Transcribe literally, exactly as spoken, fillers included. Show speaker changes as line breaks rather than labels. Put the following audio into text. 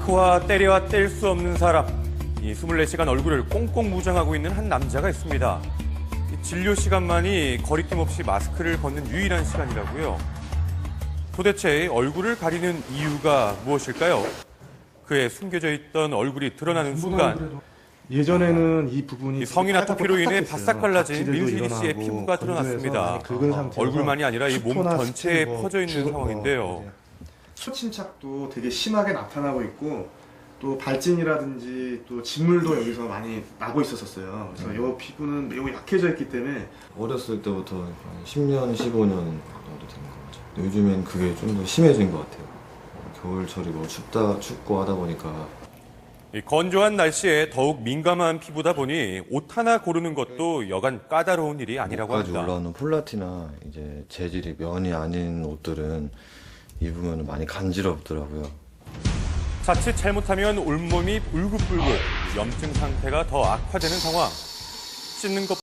마스크와 때려야 뗄 수 없는 사람. 이 이십사 시간 얼굴을 꽁꽁 무장하고 있는 한 남자가 있습니다. 이 진료 시간만이 거리낌 없이 마스크를 벗는 유일한 시간이라고요. 도대체 얼굴을 가리는 이유가 무엇일까요? 그의 숨겨져 있던 얼굴이 드러나는 순간
예전에는 이 부분이
이 성인 아토피로 인해 바싹 갈라진
각질들도
민슬기 씨의
일어나고
피부가 드러났습니다.
많이 긁은 상태여서
얼굴만이 아니라 이 몸
수포나
전체에
스킨 뭐
퍼져 있는
죽은
상황인데요.
거, 수침착도 되게 심하게 나타나고 있고 또 발진이라든지 또 진물도 여기서 많이 나고 있었어요. 그래서
음.
이 피부는 매우 약해져 있기 때문에
어렸을 때부터 한 십 년, 십오 년 정도 되는 것 같아요. 요즘엔 그게 좀 더 심해진 것 같아요. 겨울철이 뭐 춥다, 춥고 하다 보니까
이 건조한 날씨에 더욱 민감한 피부다 보니 옷 하나 고르는 것도 여간 까다로운 일이 아니라고
목까지
합니다.
올라오는 폴라티나 이제 재질이 면이 아닌 옷들은 입으면 많이 간지럽더라고요.
자칫 잘못하면 온몸이 울긋불긋, 염증 상태가 더 악화되는 상황. 씻는 것